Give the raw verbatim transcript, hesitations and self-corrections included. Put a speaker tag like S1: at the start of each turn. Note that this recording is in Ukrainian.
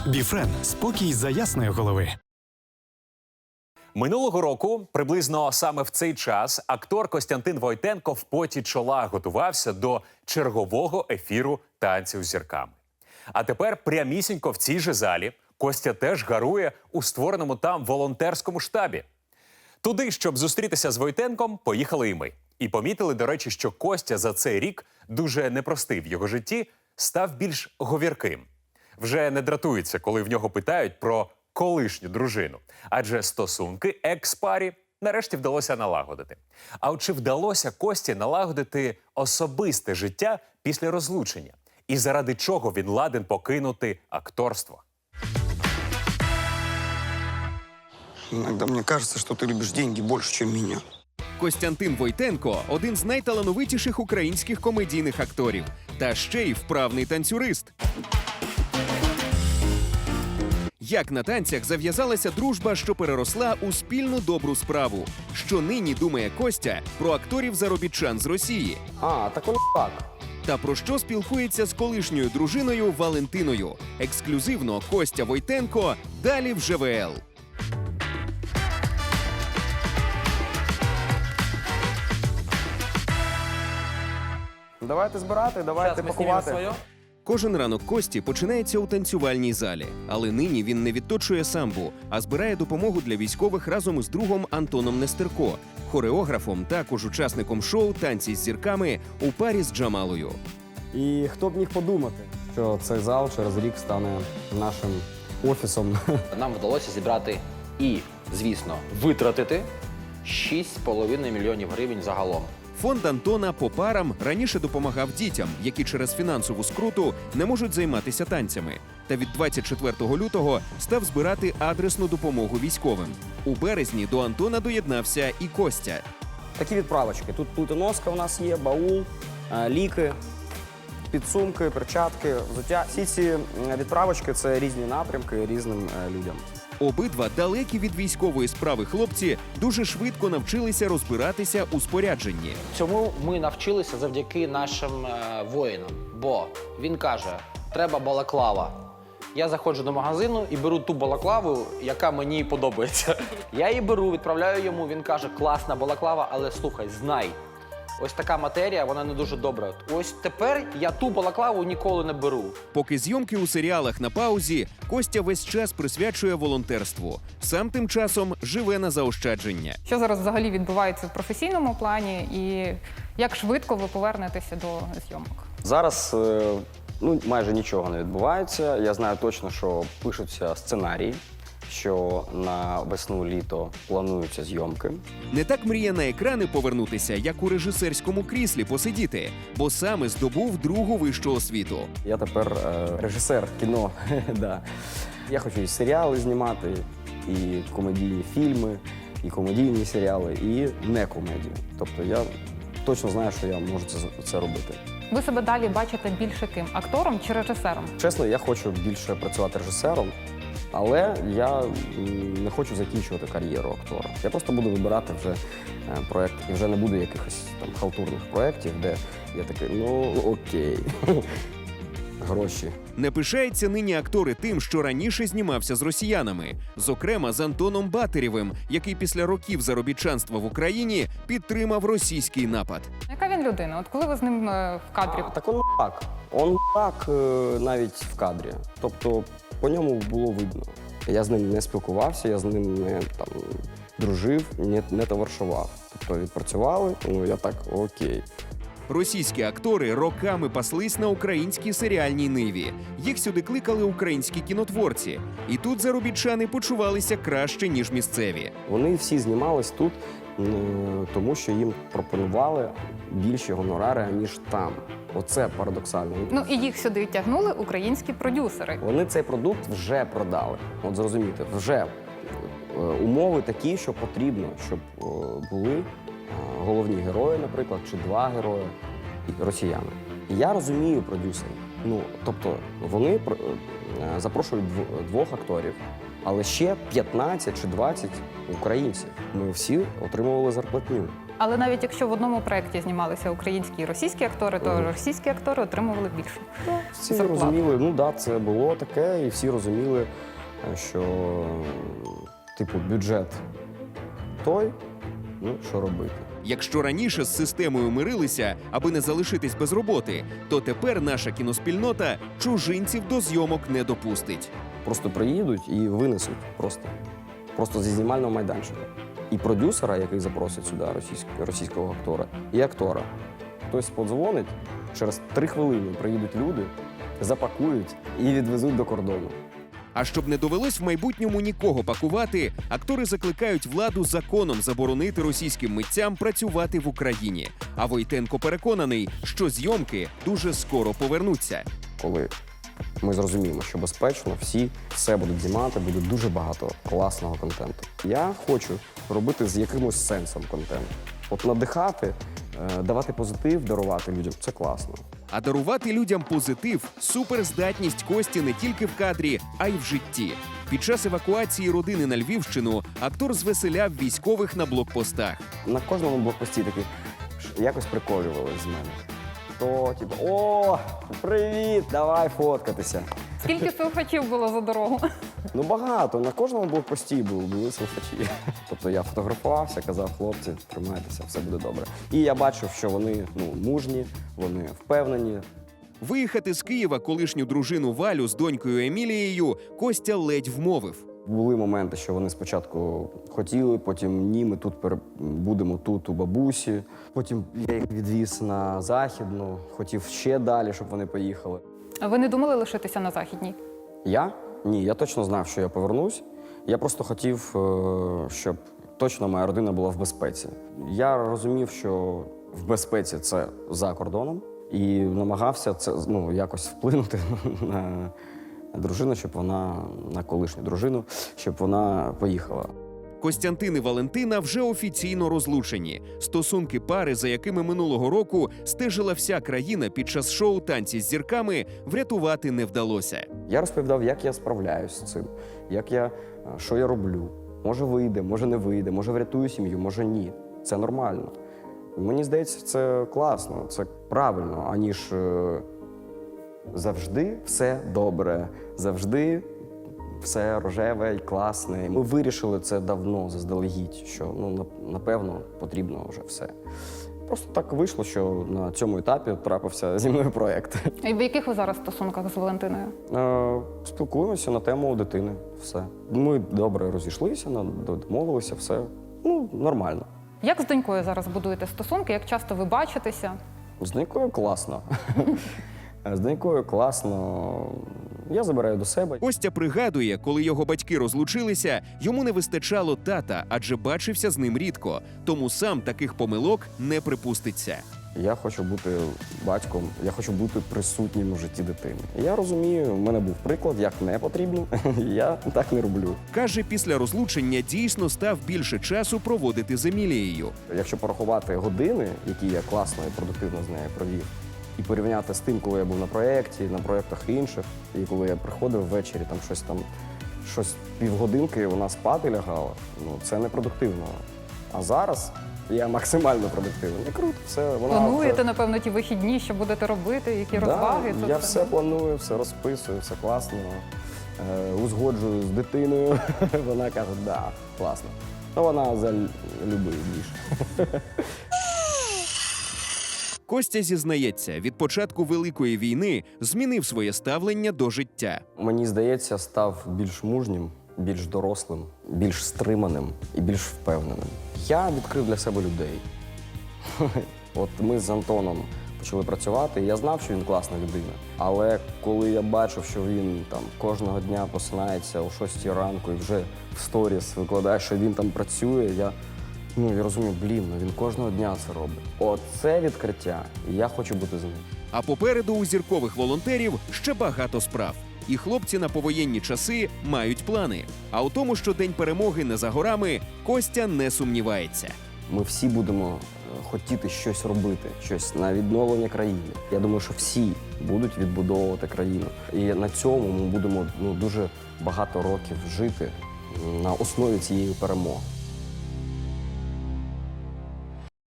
S1: Біфрен – спокій за ясної голови.
S2: Минулого року, приблизно саме в цей час, актор Костянтин Войтенко в поті чола готувався до чергового ефіру «Танців з зірками». А тепер прямісінько в цій же залі Костя теж гарує у створеному там волонтерському штабі. Туди, щоб зустрітися з Войтенком, поїхали і ми. І помітили, до речі, що Костя за цей рік, дуже непростий в його житті, став більш говірким. Вже не дратується, коли в нього питають про колишню дружину. Адже стосунки екс-парі нарешті вдалося налагодити. А от чи вдалося Кості налагодити особисте життя після розлучення? І заради чого він ладен покинути акторство?
S3: Иногда мне кажется, что ты любишь деньги больше, чем меня.
S4: Костянтин Войтенко – один з найталановитіших українських комедійних акторів. Та ще й вправний танцюрист. Як на танцях зав'язалася дружба, що переросла у спільну добру справу. Що нині думає Костя про акторів-заробітчан з Росії?
S3: А, так он так.
S4: Та про що спілкується з колишньою дружиною Валентиною? Ексклюзивно Костя Войтенко далі в ЖВЛ.
S3: Давайте збирати, давайте пакувати.
S4: Кожен ранок Кості починається у танцювальній залі. Але нині він не відточує самбу, а збирає допомогу для військових разом із другом Антоном Нестерко, хореографом, також учасником шоу «Танці з зірками» у парі з Джамалою.
S5: І хто б міг подумати, що цей зал через рік стане нашим офісом.
S6: Нам вдалося зібрати і, звісно, витратити шість з половиною мільйонів гривень загалом.
S4: Фонд Антона по парам раніше допомагав дітям, які через фінансову скруту не можуть займатися танцями. Та від двадцять четвертого лютого став збирати адресну допомогу військовим. У березні до Антона доєднався і Костя.
S5: Такі відправочки. Тут плитоноска у нас є, баул, е, ліки, підсумки, перчатки, взуття. Всі ці відправочки – це різні напрямки різним е, людям.
S4: Обидва далекі від військової справи хлопці дуже швидко навчилися розбиратися у спорядженні.
S6: Цьому ми навчилися завдяки нашим е, воїнам. Бо він каже, треба балаклава. Я заходжу до магазину і беру ту балаклаву, яка мені подобається. Я її беру, відправляю йому, він каже, класна балаклава, але слухай, знай. Ось така матерія, вона не дуже добра. Ось тепер я ту балаклаву ніколи не беру.
S4: Поки зйомки у серіалах на паузі, Костя весь час присвячує волонтерству. Сам тим часом живе на заощадження.
S7: Що зараз взагалі відбувається в професійному плані і як швидко ви повернетеся до зйомок?
S5: Зараз е, ну, майже нічого не відбувається. Я знаю точно, що пишуться сценарії, що на весну-літо плануються зйомки.
S4: Не так мріє на екрани повернутися, як у режисерському кріслі посидіти, бо саме здобув другу вищу освіту.
S5: Я тепер е, режисер кіно. Да. Я хочу і серіали знімати, і комедійні фільми, і комедійні серіали, і не комедію. Тобто я точно знаю, що я можу це, це робити.
S7: Ви себе далі бачите більше ким? Актором чи режисером?
S5: Чесно, я хочу більше працювати режисером, але я м, не хочу закінчувати кар'єру актора. Я просто буду вибирати вже е, проєкт, і вже не буде якихось там халтурних проєктів, де я такий, ну окей, гроші.
S4: Не пишаються нині актори тим, що раніше знімався з росіянами. Зокрема, з Антоном Батирєвим, який після років заробітчанства в Україні підтримав російський напад.
S7: Яка він людина? От коли ви з ним е, в кадрі?
S5: А, так он так. Он так е, навіть в кадрі. Тобто по ньому було видно. Я з ним не спілкувався, я з ним не там, дружив, не, не товаришував. Тобто відпрацювали, ну я так, окей.
S4: Російські актори роками паслись на українській серіальній ниві. Їх сюди кликали українські кінотворці. І тут заробітчани почувалися краще, ніж місцеві.
S5: Вони всі знімались тут, м, тому що їм пропонували більші гонорари, ніж там. Оце парадоксально.
S7: Ну і їх сюди тягнули українські продюсери.
S5: Вони цей продукт вже продали. От зрозумієте, вже е, умови такі, що потрібно, щоб е, були е, головні герої, наприклад, чи два герої і росіяни. І я розумію продюсерів. Ну, тобто вони е, запрошують дв- двох акторів, але ще п'ятнадцять чи двадцять українців. Ми всі отримували зарплатню.
S7: Але навіть якщо в одному проєкті знімалися українські і російські актори, то російські актори отримували більше.
S5: Всі
S7: зарплату.
S5: розуміли, ну да, це було таке, і всі розуміли, що типу бюджет той, ну що робити.
S4: Якщо раніше з системою мирилися, аби не залишитись без роботи, то тепер наша кіноспільнота чужинців до зйомок не допустить.
S5: Просто приїдуть і винесуть просто. Просто зі знімального майданчика. І продюсера, який запросить сюди російського, російського актора, і актора. Хтось подзвонить, через три хвилини приїдуть люди, запакують і відвезуть до кордону.
S4: А щоб не довелось в майбутньому нікого пакувати, актори закликають владу законом заборонити російським митцям працювати в Україні. А Войтенко переконаний, що зйомки дуже скоро повернуться.
S5: Коли ми зрозуміємо, що безпечно, всі все будуть знімати, буде дуже багато класного контенту. Я хочу робити з якимось сенсом контент. От надихати, е, давати позитив, дарувати людям – це класно.
S4: А дарувати людям позитив – суперздатність Кості не тільки в кадрі, а й в житті. Під час евакуації родини на Львівщину актор звеселяв військових на блокпостах.
S5: На кожному блокпості такі ш- якось приколювали з мене. То, типу, о, привіт, давай фоткатися.
S7: Скільки слухачів було за дорогу?
S5: Ну багато, на кожному блокпості були, були слухачі. Тобто я фотографувався, казав, хлопці, тримайтеся, все буде добре. І я бачив, що вони ну, мужні, вони впевнені.
S4: Виїхати з Києва колишню дружину Валю з донькою Емілією Костя ледь вмовив.
S5: Були моменти, що вони спочатку хотіли, потім ні, ми тут пере... будемо тут у бабусі. Потім я їх відвіз на Західну, хотів ще далі, щоб вони поїхали.
S7: А ви не думали лишитися на Західній?
S5: Я? Ні, я точно знав, що я повернусь. Я просто хотів, е, щоб точно моя родина була в безпеці. Я розумів, що в безпеці це за кордоном, і намагався це ну, якось вплинути на дружину, щоб вона, на колишню дружину, щоб вона поїхала.
S4: Костянтин і Валентина вже офіційно розлучені. Стосунки пари, за якими минулого року стежила вся країна під час шоу «Танці з зірками», врятувати не вдалося.
S5: Я розповідав, як я справляюсь з цим, як я, що я роблю. Може вийде, може не вийде, може врятую сім'ю, може ні. Це нормально. Мені здається, це класно, це правильно, аніж е, завжди все добре, завжди все рожеве і класне. Ми вирішили це давно, заздалегідь, що ну, напевно потрібно вже все. Просто так вийшло, що на цьому етапі трапився зі мною проєкт.
S7: І в яких ви зараз стосунках з Валентиною?
S5: Е, Спілкуємося на тему дитини. Все. Ми добре розійшлися, домовилися, все. Ну, нормально.
S7: Як з донькою зараз будуєте стосунки? Як часто ви бачитеся?
S5: З донькою класно. З донькою класно. Я забираю до себе.
S4: Костя пригадує, коли його батьки розлучилися, йому не вистачало тата, адже бачився з ним рідко. Тому сам таких помилок не припуститься.
S5: Я хочу бути батьком, я хочу бути присутнім у житті дитини. Я розумію, в мене був приклад, як не потрібно, я так не роблю.
S4: Каже, після розлучення дійсно став більше часу проводити з Емілією.
S5: Якщо порахувати години, які я класно і продуктивно з нею провів, і порівняти з тим, коли я був на проєкті, на проєктах інших, і коли я приходив ввечері, там щось там, щось півгодинки вона спати лягала, ну це не продуктивно. А зараз я максимально продуктивний. І круто, все. Вона
S7: Плануєте,
S5: вже...
S7: напевно, ті вихідні, що будете робити, які
S5: Да,
S7: розваги?
S5: я все планую, все розписую, все класно. Е, узгоджую з дитиною. Вона каже, да, класно. Ну, вона за любий більше.
S4: Костя зізнається, від початку Великої війни змінив своє ставлення до життя.
S5: Мені здається, став більш мужнім, більш дорослим, більш стриманим і більш впевненим. Я відкрив для себе людей. От ми з Антоном почали працювати, і я знав, що він класна людина. Але коли я бачив, що він там кожного дня просинається о шостій ранку і вже в сторіс викладає, що він там працює, я, ну, я розумію, блін, ну він кожного дня це робить. Оце відкриття, і я хочу бути з ним.
S4: А попереду у зіркових волонтерів ще багато справ. І хлопці на повоєнні часи мають плани. А у тому, що День перемоги не за горами, Костя не сумнівається.
S5: Ми всі будемо хотіти щось робити, щось на відновлення країни. Я думаю, що всі будуть відбудовувати країну. І на цьому ми будемо ну, дуже багато років жити на основі цієї перемоги.